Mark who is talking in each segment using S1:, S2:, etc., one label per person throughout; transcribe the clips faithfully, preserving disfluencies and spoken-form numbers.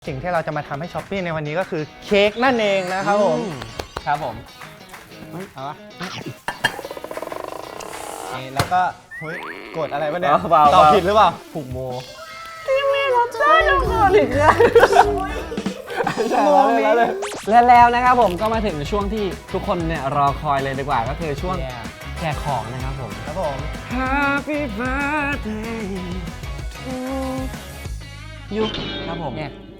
S1: สิ่งที่เราจะมาทำให้ช้อปปี้ในวันนี้ก็คือเค้กนั่นเองนะครับผมครับผมเอาวะนี่แล้วก็เฮ้ยกดอะไรวะเนี่ยตอบผิดหรือเปล่าผูกโมที่มีรสชาติของคอลิกอะ
S2: โมแล้วเลยและแล้วนะครับผมก็มาถึงช่วงที่ทุกคนเนี่ยรอคอยเลยดีกว่าก็คือช่วงแจกของนะครับผม
S1: ครับผม
S2: Happy birthday ยุครับผม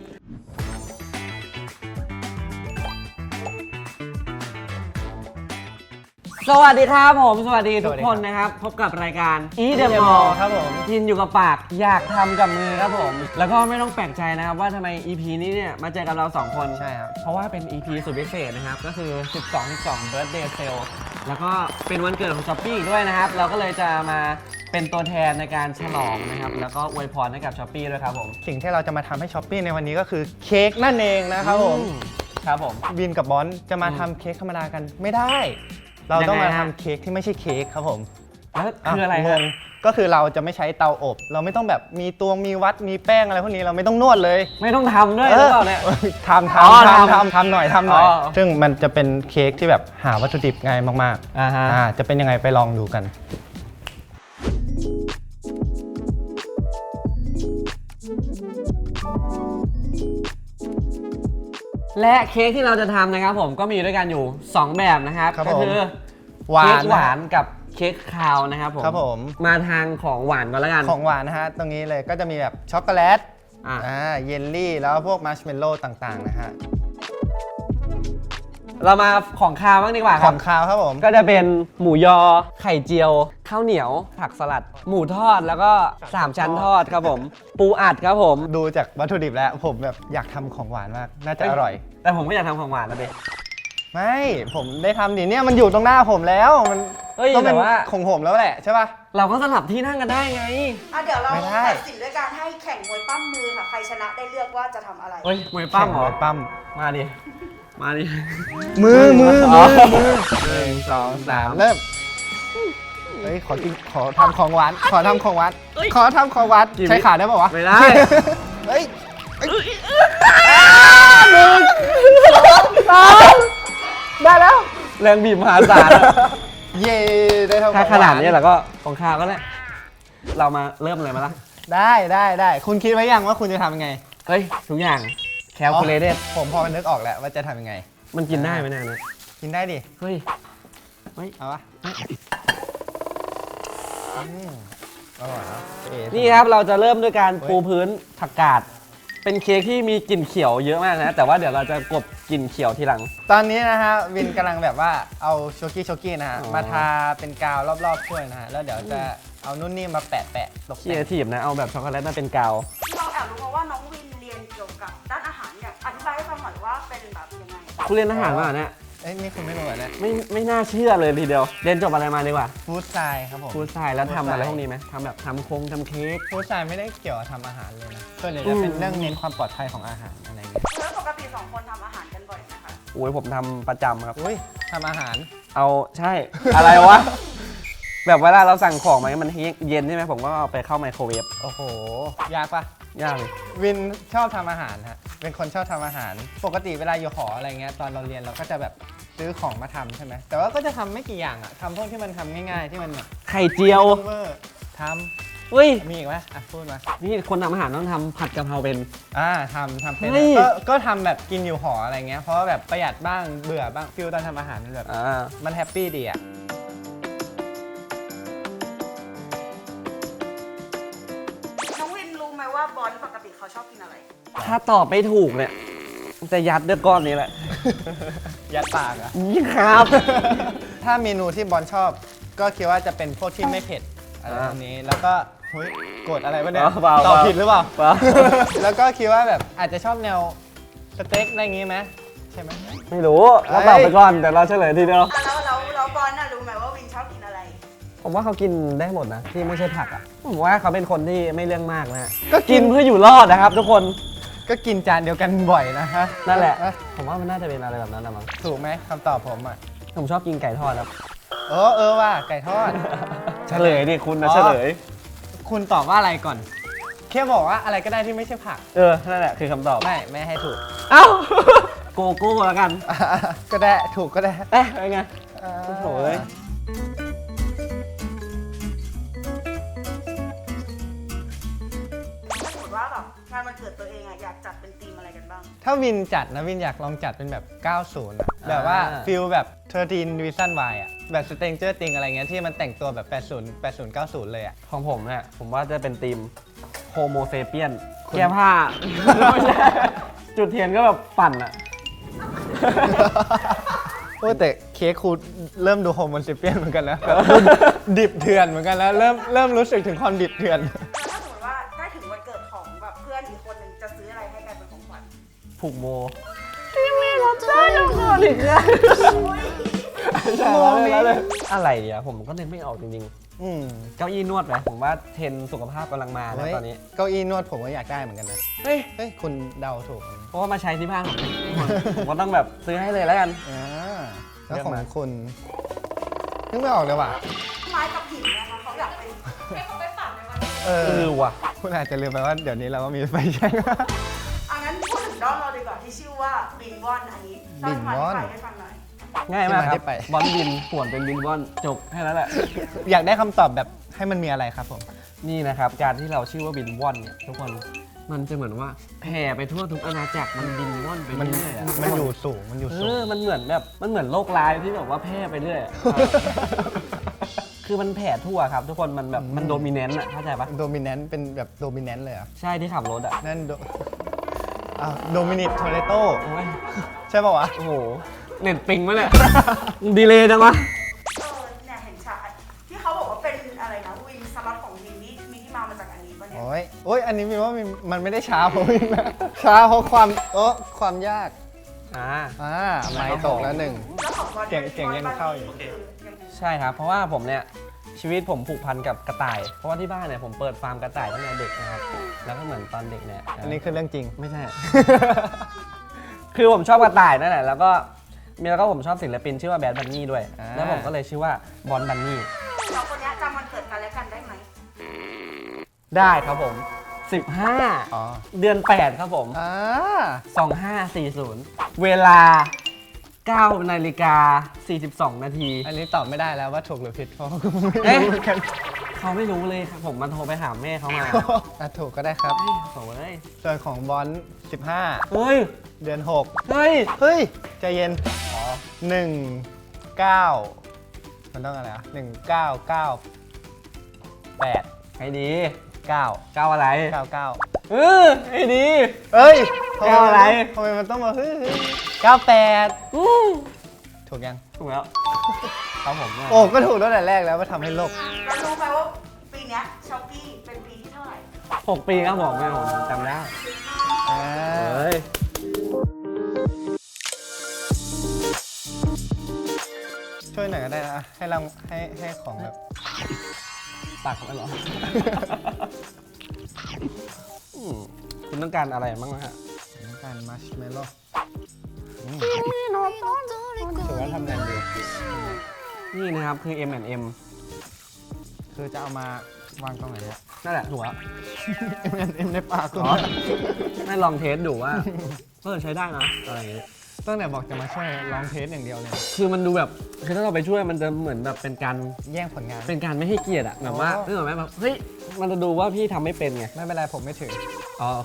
S2: สวัสดีครับผมสวัสดีทุกคนนะครับพบกับรายการ Eat the Mall
S1: ครับผม
S2: กินอยู่กับปากอยากทำกับมือครับผมแล้วก็ไม่ต้องแปลกใจนะครับว่าทำไม อี พี นี้เนี่ยมาเจอกับเราสองคน
S1: ใช่ครับ
S2: เพราะว่าเป็น อี พี สุดพิเศษนะครับก็คือ สิบสอง สิบสอง Birthday Sale แล้วก็เป็นวันเกิดของ Shopee อีกด้วยนะครับเราก็เลยจะมาเป็นตัวแทนในการฉลองนะครับแล้วก็อวยพรให้กับ Shopee ด้วยครับผม
S1: สิ่งที่เราจะมาทำให้ Shopee ในวันนี้ก็คือเค้กนั่นเองนะครับผม
S2: ครับผม
S1: วินกับบอนจะมาทำเค้กธรรมดากันไม่ได้เราต้องมาทำเค้กที่ไม่ใช่เค้กครับผม
S2: แล้วคืออะไร
S1: งงก็คือเราจะไม่ใช้เตาอบเราไม่ต้องแบบมีตวงมีวัดมีแป้งอะไรพวกนี้เราไม่ต้องนวดเลย
S2: ไม่ต้องทำด้วยหรือเปล่าเนี่ย
S1: ทำทำทำทำทำหน่อยทำหน่อยซึ่งมันจะเป็นเค้กที่แบบหาวัตถุดิบง่ายมากๆอ่าจะเป็นยังไงไปลองดูกัน
S2: และเค้กที่เราจะทำนะครับผมก็มีด้วยกันอยู่สองแบบนะครับก็คือ
S1: หวาน
S2: เค้กหวานกับเค้กคาวนะครับผม
S1: ครับผม
S2: มาทางของหวานก่อนแล้วกัน
S1: ของหวานนะฮะตรงนี้เลยก็จะมีแบบช็อกโกแลตอ่าเยลลี่แล้วพวกมัชเมลโล่ต่างๆนะฮะ
S2: เรามาของคาวบ้างดีกว่าครับ
S1: ของคาวครับผม
S2: ก็จะเป็นหมูยอไข่เจียวข้าวเหนียวผักสลัดหมูทอดแล้วก็สามชั้นทอดครับผมปูอัดครับผม
S1: ดูจากวัตถุดิบแล้วผมแบบอยากทำของหวานมากน่าจะอร่อย
S2: แต่ผมก็อยากทำของหวานนะเบ
S1: ไม่ผมได้ทำดิเนี่ยมันอยู่ตรงหน้าผมแล้วมัน
S2: ต้องเป็นว่า
S1: ของผมแล้วแหละใช่ป่ะ
S2: เราก็สลับที่นั่งกันได้ไง
S3: อ่ะเดี๋ยวเราตัดสินด้วยการให้แข่งมวยปั้มมือค่ะใครชนะได้เลือกว่าจะทำอะไร
S2: เฮ้ยมวยปั้มเหรอ
S1: มวยปั้ม
S2: มาดิมาดิ
S1: มือมือมือมือ
S2: หนึ่งสองสาม
S1: เริ่มเฮ้ยขอกินขอทำของหวานขอทำของหวานขอทำของหวานใช้ขาได้ป่าวะ
S2: ไม่ได้
S1: เฮ้ย
S2: หนึ่งสองได้แล้วแรงบีบมหาศาล
S1: เย่ได้ทำ
S2: ถ้าขนาดนี้แล้วก็ของข้าวก็ได้เรามาเริ่มเลยมาละ
S1: ได้ได้ได้คุณคิดไว้ยังว่าคุณจะทำยังไง
S2: เฮ้ยทุกอย่างแคลคูลเลเตอร์
S1: ผมพอมันนึกออกแล้วว่าจะทำยังไง
S2: มันกินได้ไหมเนี่ยนะ
S1: กินได้ดิ
S2: เฮ้ย
S1: เฮ้ยเอาวะอร่อยนะ
S2: นี่ครับเราจะเริ่มด้วยการปูพื้นผักกาดเป็นเค้กที่มีกลิ่นเขียวเยอะมากนะแต่ว่าเดี๋ยวเราจะกลบกลิ่นเขียวทีหลัง
S1: ตอนนี้นะฮะวินกำลังแบบว่าเอาโชกี้โชกี้นะฮะมาทาเป็นกาวรอบๆถ้วยนะฮะแล้วเดี๋ยวจะเอานุ่นนี่มาแปะแปะ
S2: ตกแต่งครีเอทีฟนะเอาแบบช็อกโกแลตมาเป็นกาว
S3: เราแอบรู้มาว่าน้องวินเรียนเกี่ยวกับด้านอาหารเนี่ยอธิบายให้ฟังหน่อยว่าเป็นแบบยังไง
S2: คุณเรียนอาหารมาเนี่ย
S1: เอ้ยนี่คุณไม่รู้เหรอเนี่ย
S2: ไม่ไม่น่าเชื่อเลยทีเดียวเรียนจบอะไรมาดีกว่า
S1: ฟู้ดไซน์ครับผม
S2: ฟู้ดไซน์แล้วทำอะไรพวกนี้ไหมทำแบบทำโค้งทำเค้ก
S1: ฟู้ดไซน์ไม่ได้เกี่ยวกับทำอาหารเลยนะส่วนใหญ่จะเป็นเรื่องเน้นความปลอดภัยของอาหารอะไรเงี้ย
S3: แล้วปกติสองคนทำอาหารกันบ่อยไหมคะ
S2: โอ้ยผมทำประจำครับ
S1: อุ้ยทำอาหาร
S2: เอาใช่อะไรวะแบบเวลาเราสั่งของมามันเย็นใช่ไหมผมก็เอาไปเข้าไมโครเวฟ
S1: โอ้โหยากปะ
S2: ยากเลย
S1: วินชอบทำอาหารฮะเป็นคนชอบทำอาหารปกติเวลาอยู่หออะไรเงี้ยตอนเราเรียนเราก็จะแบบซื้อของมาทำใช่ไหมแต่ว่าก็จะทำไม่กี่อย่างอะทำพวกที่มันทำง่ายๆที่มันแบบ
S2: ไข่เจียว
S1: ทำ
S2: เฮ้ย
S1: มีอีกไหมอ่ะพูดมา
S2: นี่คนทำอาหารต้องทำผัดกะเพราเป็น
S1: อ่าทำทำเป็นก็ก็ทำแบบกินอยู่หออะไรเงี้ยเพราะว่าแบบประหยัดบ้างเบื่อบ้างฟิลตอนทำอาหารมันแบบมันแฮปปี้ดีอะ
S3: น้องวินรู้ไหมว่าบอลปกติเขาชอบกินอะไร
S2: ถ้าตอบไม่ถูกเนี่ยจะยัดด้วยก้อนนี้แหละ
S1: ยัดปากอะ
S2: นี่ครับ
S1: ถ้าเมนูที่บอลชอบก็คิดว่าจะเป็นพวกที่ไม่เผ็ดอะไรพวกนี้แล้วก็เฮ้ยกดอะไรวะเนี่ยตอบผิดหรือเปล่าแล้วก็คิดว่าแบบอาจจะชอบแนวสเต็กอะไรอย่างงี้ไหมใช่ไหม
S2: ไม่รู้เราตอบไปก่อนแต่เราเฉลยทีเดียว
S3: แล้วแล้วแล้วบอลน่ะรู้ไหมว่าวินชอบกินอะไร
S2: ผมว่าเขากินได้หมดนะที่ไม่ใช่ผักอ่ะผมว่าเขาเป็นคนที่ไม่เรื่องมากนะก็กินเพื่ออยู่รอดนะครับทุกคน
S1: ก็กินจานเดียวกันบ่อยนะฮะ
S2: นั่นแหละผมว่ามันน่าจะเป็นอะไรแบบนั้นนะมั้ง
S1: ถูกไหมคำตอบผมอ่ะ
S2: ผมชอบกินไก่ทอดครับ
S1: เออเออว่าไก่ทอด
S2: เฉลยดิคุณนะเฉลย
S1: คุณตอบว่าอะไรก่อนแค่บอกว่าอะไรก็ได้ที่ไม่ใช่ผัก
S2: เออ นั่นแหละคือคำตอบ
S1: ไม่ ไม่ให้ถูก
S2: เอ้า โกโก้แล้วกัน
S1: ก็ได้ ถูกก็ได้
S2: เอ๊ะเป็นไง
S1: อ่า
S2: โอ้โหเอ้ย
S3: ถ้าสมมติว่าแบบงานวันเกิดตัวเองอะอยากจัดเป็นธีมอะไรกันบ้าง
S1: ถ้าวินจัดนะวินอยากลองจัดเป็นแบบ เก้าสิบ อะแบบว่าฟิลแบบสิบสาม Reason Why อะแบบ Stranger Things อะไรเงี้ยที่มันแต่งตัวแบบ แปดสิบ แปดสิบ เก้าสิบ เลยอะ
S2: ของผมเนี่ย ผมว่าจะเป็นทีมโฮโมเซเปียนแก้ผ้า ไม่ใช่จุดเทียนก็แบบปั่นอะ
S1: โอ้แต่เค้กคูเริ่มดูโฮโมนซิเปียนเหมือนกันนะแบบดูดิบเถื่อนเหมือนกันแล้วเริ่มเริ่มรู้สึกถึงความดิบเถื่อน
S3: แล้วถ้าสมมติว่าใกล้ถึงวันเกิดของแบบเพื่อนอีกคนหนึ่งจะซื้ออะไรให้กันเป็นของขวัญ
S2: ผูกโมที่มีรสชาติของคนอีกแล้วใช่แล้วเลยอะไรอ่ะผมก็นึกไม่ออกจริง
S1: อืม
S2: ๆ เก้าอี้นวดไหมผมว่าเทรนด์สุขภาพกำลังมาแล้วตอนนี้
S1: เก้าอี้นวดผมก็อยากได้เหมือนกันนะ
S2: เฮ้ย
S1: เฮ้ย คุณเดาถูก
S2: เพราะว่ามาใช้ที่บ้านผมผมก็ต้องแบบซื้อให้เลยแล้วกัน
S1: อ่าแล้ว
S2: เลือก
S1: ของ
S2: มา
S1: คุณนึกไม่ออกเลยว่ะ
S3: ไม้กับหินนะคะเขาอยากเป็นให้เขาไปฝันในวันนี้
S1: เออ
S2: เออว่ะ
S1: คุณอาจจะลืมไปว่าเดี๋ยวนี้เราก็มีไฟแช็ก
S3: อันนั้นพูดถึงด้อมเราดีกว่าที่ชื่อว่าบินวอนอันนี้เล่าที่มาที่ไปให้ฟังหน่อย
S2: ง่ายมากค
S1: ที่มาที่
S2: รับ
S1: ไป
S2: บอลบินป่วนเป็นบินบอลจบแค่นั้นแหละ
S1: อยากได้คำตอบแบบให้มันมีอะไรครับผม
S2: นี่นะครับ การที่เราชื่อว่าบินว่อนเนี่ยทุกคนมันจะเหมือนว่าแผ่ไปทั่วทุกอาณาจักรมันบินว่อนไป
S1: มัน
S2: เรื่อยๆอะ
S1: มันอยู่สูงมันอยู่
S2: เอ
S1: สูง
S2: อมันเหมือนแบบมันเหมือนโรคร้ายที่แบบว่าแพร่ไปเรื่อยอะ คือมันแผ่ทั่วครับทุกคนมันแบบมันโดมิเนนต์อะเข้าใจปะ
S1: โดมิเนนต์เป็นแบบโดมิเนนต์เลยเหรอ่ะ
S2: ใช่ที่ขับรถอะ
S1: นั่นโดอ้าวโดมินิตโทเรโต
S2: โอ้ย
S1: ใช่ป่าววะ
S2: โอ้โหเน็ตปิงมั้ยเนี่ย ดีเลยจังวะ
S3: เออเนี่ยเห็นฉากที่เขาบอกว่าเป็นอะไรนะวินสล็อตของวินนี่มีที่มามาจากอันนี้ปะเนี่ย
S1: โอ้ยโอ้ยอันนี้มีว่ามันมันไม่ได้ช้าเพราะวินนะช้าเพราะความเออความยาก
S2: อ่า
S1: อ่าไม่ตกแล้วหนึ่ง
S3: แล้วของบอล
S1: เก่งเก่งยังเข้าอยู่
S3: คือยังไง
S2: ใช่ครับ เพราะว่าผมเนี่ยชีวิตผมผูกพันกับกระต่าย เพราะว่าที่บ้านเนี่ยผมเปิดฟาร์มกระต่ายตั้งแต่เด็กนะครับ แล้วก็เหมือนตอนเด็กเนี่ย
S1: อันนี้คือเรื่องจริง
S2: ไม่ใช่ คือผมชอบกระต่ายนั่นแหละ แล้วก็มีแล้วก็ผมชอบศิลปินชื่อว่าแบดบันนี่ด้วย
S1: อ่า
S2: แล้วผมก็เลยชื่อว่าบอลบันนี่
S3: สองคนเนี้ยจำวันเกิดกันและกันได้ไหม
S2: ได้ครับผม สิบห้า
S1: อ๋อ
S2: เดือนแปดครับผม
S1: อ่า
S2: สองห้าสี่ศูนย์ เวลาเก้านาฬิกาสี่สิบสองนาที
S1: อันนี้ตอบไม่ได้แล้วว่าถูกหรือผิดเพราะว่ากูไม่
S2: เอ๊ะ
S1: รู้เหมือนกัน
S2: เขาไม่รู้เลยครับผมมาโทรไปถามแม่เขามา
S1: อ่ะถูกก็ได้ครับ
S2: โถ่เอ้ย
S1: ส่วนของบอลสิบห้า
S2: เฮ้ย
S1: เดือนหก
S2: เฮ้ย
S1: เฮ้ย ใจเย็น อ๋อหนึ่งเก้ามันต้องอะไรอ่ะหนึ่งเก้าเก้าแปด
S2: ให้ดี
S1: เก้า
S2: เก้าอะไร
S1: เก้าเก้า
S2: เออให้ดี
S1: เอ้ย
S2: เก้าอะไร
S1: ทำไมมันต้องมาเฮ้ยเฮ้ยเก้าแปด
S2: อู้
S1: ถูกยัง
S2: ถูกแล้วครับผม
S1: โอ้ ก็ถูกตั้งแต่แรกแล้วว่าทำให้โลก
S3: แล้วรู้ไหมว่าปีเนี้ยช้อปปี้เป็นปีที่เท่าไหร่
S2: หกปีครับผมแม่ผมจำได้
S1: อ่า
S2: เฮ้ย
S1: ช่วยหน่อยก็ได้นะ ให้เราให้ให้ของแบบ
S2: ตักมันเหรอ อืมคุณต้องการอะไรบ้างนะฮะ
S1: น้ำตาลมัชเมลโล่ถือว่าทำงานดี
S2: นี่นะครับคือ เอ็ม แอนด์ เอ็ม
S1: คือจะเอามาวางตรงไหนเนี่ย
S2: นั่นแหละถูกแล้ว
S1: เอ็มเอ็มในปากคุณ
S2: อ๋อ ให้ลองเทสดูว่าเออใช้ได้นะอะไรอย่างเงี้ย
S1: ตั้งแต่บอกจะมาช่วยลองเทสอย่างเดียวเลย
S2: คือมันดูแบบคือถ้าเราไปช่วยมันจะเหมือนแบบเป็นการ
S1: แย่งผลงาน
S2: เป็นการไม่ให้เกียรติอะแบบว่า
S1: อ๋อ
S2: นึกออกไหมแบบเฮ้ยมันจะดูว่าพี่ทำไม่เป็นไง
S1: ไม่เป็นไรผมไม่ถือ
S2: อ๋อโอเค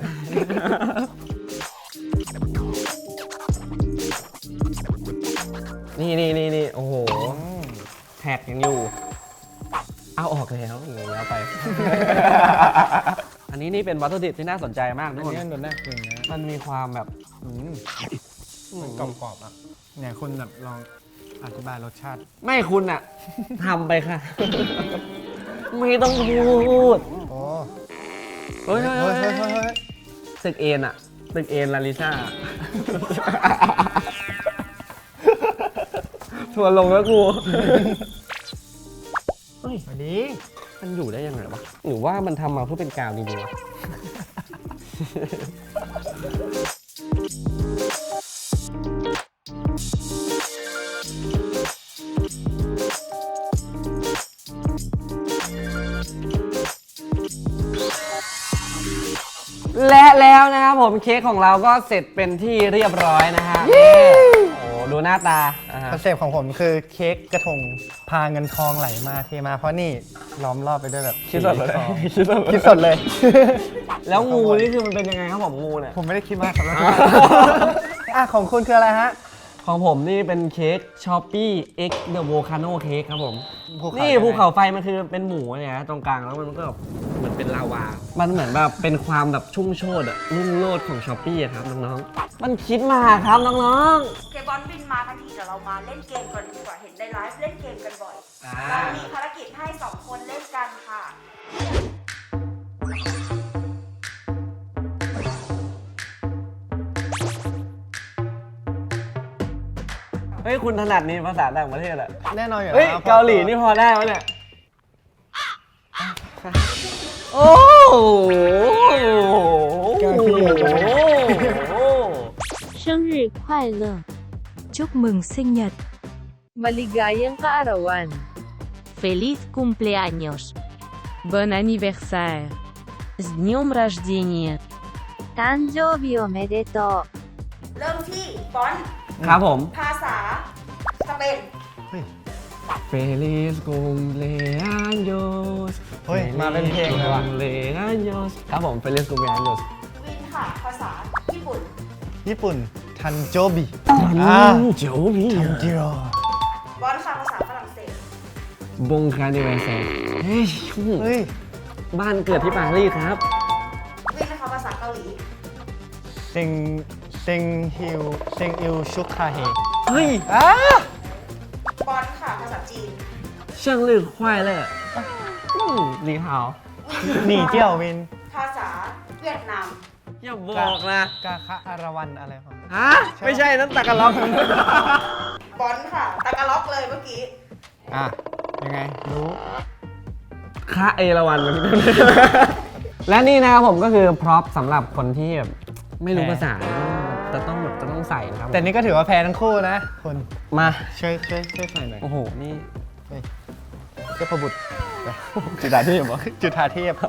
S2: นี่นี่นี่นี่โอ้โห แท็กยังอยู่ เอาออกแล้วอย่างเงี้ยไป อันนี้นี่เป็นวัตถุดิบที่น่าสนใจมากทุ
S1: อั
S2: ก
S1: น
S2: คน
S1: นี้มันโดนหน้าคืนนะ
S2: มันมีความแบบ
S1: อืม
S2: อืม
S1: มันกรอบๆอ่ะเนี่ยคุณแบบลองอธิบายรสชาติ
S2: ไม่คุณอะทำไปค่ะ ไม่ต้องพูด
S1: โอ้
S2: เฮ้ยเฮ้ย
S1: เฮ้ย
S2: เฮ้
S1: เฮ้
S2: ย
S1: ย
S2: เฮ้ย
S1: เฮ้ย
S2: ตึกเอ็นอะตึกเอ็นลาลิซ่า ทัวร์ลงแล้วกู เฮ้ย
S1: สวัสดี
S2: มันอยู่ได้ยังไงวะ หรือว่ามันทำมาเพื่อเป็นกาวดีๆวะผมเค้กของเราก็เสร็จเป็นที่เรียบร้อยนะฮะโอ้ดูหน้าตาอ่าฮะ
S1: คอนเซปต์ของผมคือเค้กกระทงพาเงินทองไหลมาเทมาเพราะนี่ล้อมรอบไปด้วยแบบ
S2: คิดสดเลย
S1: ทอง
S2: คิดสด
S1: คิดสดเลย
S2: แล้วงูนี่คือมันเป็นยังไงครับผมงูเนี่ย
S1: ผมไม่ได้คิดมากครับแล้วอ่ะของคุณคืออะไรฮะ
S2: ของผมนี่เป็นเค้กช้อปปี้ X The Volcano Cake ครับผม
S1: ภูเขา
S2: นี่ภูเขาไฟมันคือเป็นหมูเนี่ยนะตรงกลางแล้วมันก็แบบเหมือนเป็นลาวา มันเหมือนแบบเป็นความแบบชุ่มโชดอะรุ่งโรจน์ของช้อปปี้ครับน้องๆ มันคิดมาครับน้อง
S3: เคบอลวินมาทั้งทีเดี๋ยวเรามาเล่นเกมกันดีกว่าเห็นในไลฟ์เล่นเกมกันบ่อย
S2: ๆอ่า
S3: เรามีภารกิจให้สองคนเล่นกันค่ะ
S2: เฮ้ยคุณถนัดนี่ภาษาต่างประเทศอะ
S1: แน่นอนอยู่
S2: เฮ้ย
S1: แล้ว
S2: เกาหลีนี่พอได้ไหมเนี่ยโอ้โห
S4: 生日快乐 chúc mừng sinh nhật
S5: Maligayang kaarawan.
S4: feliz cumpleaños
S5: Bon anniversaire.
S4: с днем рождения 誕生日おめでとう
S3: เริ่มที่บอล
S2: ครับผม
S3: ภาษาสเปน
S2: Feliz cumpleaños
S1: เฮ้ยมาเป็นเพลงเลยว่ะ
S2: cumpleaños ครับผม Feliz cumpleaños
S3: วินค่ะ ภาษาญี่ปุ่น
S1: ญี่ปุ่นทันโจบิ
S2: อ่าโจบี
S1: ทันจิโร่
S3: บอลค่ะภาษาฝรั่งเศส
S2: บงคาร์นิเวเซเฮ้ย
S1: เฮ้ย
S2: บ้านเกิดที่ปารีสครับ
S3: วินนะคะภาษาเกาหลี
S1: เซิงเซิงฮิวเซิงอิวชุกคาเฮ
S2: เฮ้ย
S1: อ้า
S3: บอลค่ะ ภาษาจีน
S2: 生日快乐อืมลีฮาว
S1: หนีเจียววิน
S3: ภาษาเวียดนาม
S2: อย่าบอกนะ
S1: กาคะอารวันอะไรของ
S2: ฮะ ไม่ใช่นั่นตะกะล็อก
S3: บอลค่ะ ตะกะล็อกเลยเมื่อกี้
S1: อ่ะ ยังไง รู้
S2: ค่าเอราวันมันและนี่นะครับผมก็คือพร็อพสำหรับคนที่แบบไม่รู้ภาษาจะต้องแบบจะต้องใส่นะครับ
S1: แต่นี่ก็ถือว่าแพ้ทั้งคู่นะคุณ
S2: มา
S1: ช่วยช่วยช่วยใส่หน่อย
S2: โอ้โห นี่
S1: เจ้าประบุตร
S2: จุดาที่เหรอ
S1: จุฑาเทพ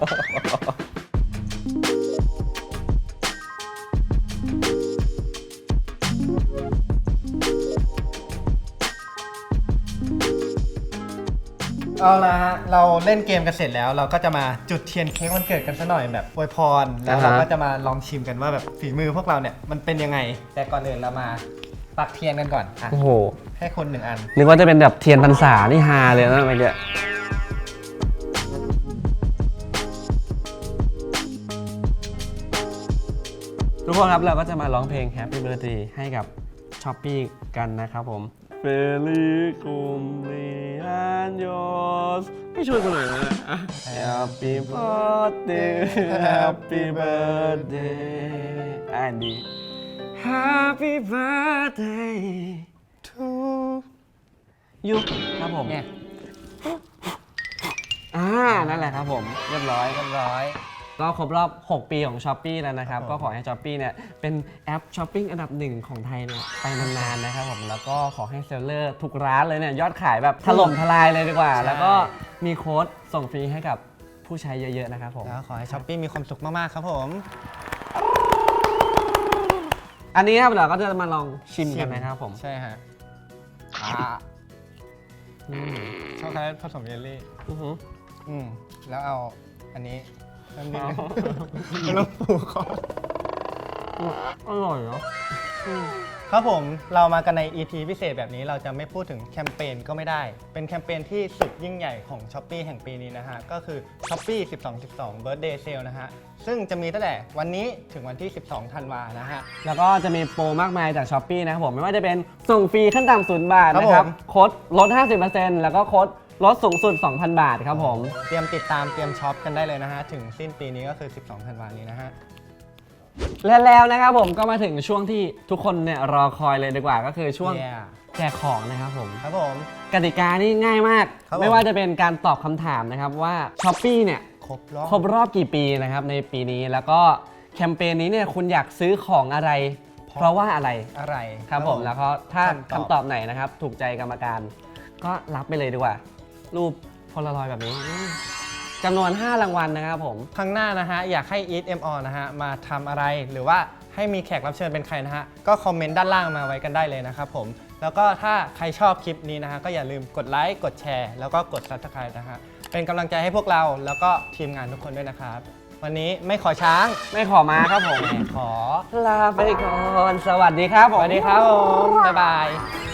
S1: เอาละฮะ เราเล่นเกมกันเสร็จแล้ว เราก็จะมาจุดเทียนเค้กวันเกิดกันซะหน่อยแบบอวยพร แล้วเรา
S2: อ่าฮะ
S1: ก็จะมาลองชิมกันว่าแบบฝีมือพวกเราเนี่ยมันเป็นยังไง แต่ก่อนอื่นเรามาปักเทียนกันก่อนอ่ะ
S2: โอ้โห
S1: ให้คนหนึ่งอัน
S2: นึกว่าจะเป็นแบบเทียนพรรษานี่ฮาเลยนะเมื่อกี้ทุกคนครับเราก็จะมาร้องเพลง Happy Birthday ให้กับช้อปปี้กันนะครับผม Feliz cumpleaños ไม่ช่วยกันเลยนะ Happy birthday Happy birthday อ่านดี Happy birthday to you ครับผม
S1: เนี่ย
S2: อ่า นั่นแหละครับผม เรียบร้อย
S1: เรียบร้อย
S2: ก็ครบรอบ หก ปีของ Shopee แล้วนะครับ
S1: ครับผม
S2: ก็ขอให้ Shopee เนี่ยเป็นแอปช้อปปิ้งอันดับหนึ่งของไทยเนี่ยไปนานๆนะครับผม แล้วก็ขอให้เซลเลอร์ทุกร้านเลยเนี่ยยอดขายแบบถล่มทลายเลยดีกว่า แล้วก็มีโค้ดส่งฟรีให้กับผู้ใช้เยอะๆนะครับผม
S1: แล้วขอให้ช้อปปี้มีความสุขมาก ๆ ครับผม
S2: อันนี้ครับเราก็จะมาลองชิมกันนะครับผม
S1: ใช่ฮะ
S2: อ่าอืม
S1: ช็อกโกแลตผสมเยลลี่
S2: อือหือ
S1: อืม แล้วเอาอันนี้น้ำนิดนึง
S2: เอา
S1: น้ำปูคอ
S2: อร่อยเนาะ
S1: ครับผมเรามากันใน อี พี พิเศษแบบนี้เราจะไม่พูดถึงแคมเปญก็ไม่ได้ เป็นแคมเปญที่สุดยิ่งใหญ่ของ Shopee แห่งปีนี้นะฮะ ก็คือ Shopee สิบสอง สิบสอง Birthday Sale นะฮะ ซึ่งจะมีตั้งแต่วันนี้ถึงวันที่ สิบสองธันวานะฮะ
S2: แล้วก็จะมีโปรมากมายจาก Shopee นะครับผม ไม่ว่าจะเป็นส่งฟรีขั้นต่ำศูนย์บาทนะค
S1: ครั
S2: รับบ
S1: ผม
S2: โค้ดลด ห้าสิบเปอร์เซ็นต์ แล้วก็โค้ดลดสูงสุด สองพัน บาทครับผม
S1: เตรียมติดตามเตรียมช็อปกันได้เลยนะฮะ ถึงสิ้นปีนี้ก็คือ สิบสองธันวานี้นะฮะ
S2: และแล้วนะครับผมก็มาถึงช่วงที่ทุกคนเนี่ยรอคอยเลยดีกว่าก็คือช่วง
S1: Yeah
S2: แจกของนะครับผม
S1: ครับผม
S2: กติกานี่ง่ายมาก
S1: ครับผม
S2: ไม่ว่าจะเป็นการตอบคำถามนะครับว่า Shopee เนี่ย
S1: ครบรอบ
S2: ครบรอบกี่ปีนะครับในปีนี้แล้วก็แคมเปญนี้เนี่ยคุณอยากซื้อของอะไร เพราะว่าอะไร
S1: อะไร
S2: ครับผมแล้วก็ถ้า
S1: คำตอบ
S2: คำตอบไหนนะครับ ถูกใจกรรมการ ก็รับไปเลยดีกว่า รูปโพลารอยด์แบบนี้อืมจำนวน ห้ารางวัลนะครับผม
S1: ครั้งหน้านะฮะอยากให้ Eat เอ็ม ออ นะฮะมาทำอะไรหรือว่าให้มีแขกรับเชิญเป็นใครนะฮะก็คอมเมนต์ด้านล่างมาไว้กันได้เลยนะครับผมแล้วก็ถ้าใครชอบคลิปนี้นะฮะก็อย่าลืมกดไลค์กดแชร์แล้วก็กด ซับสไครบ์ นะฮะเป็นกำลังใจให้พวกเราแล้วก็ทีมงานทุกคนด้วยนะครับวันนี้ไม่ขอช้าง
S2: ไม่ขอมาครับผม
S1: ขอ
S2: ลาไปก่อน สวัสดีครับผม
S1: สวัสดีครับผมบ๊ายบาย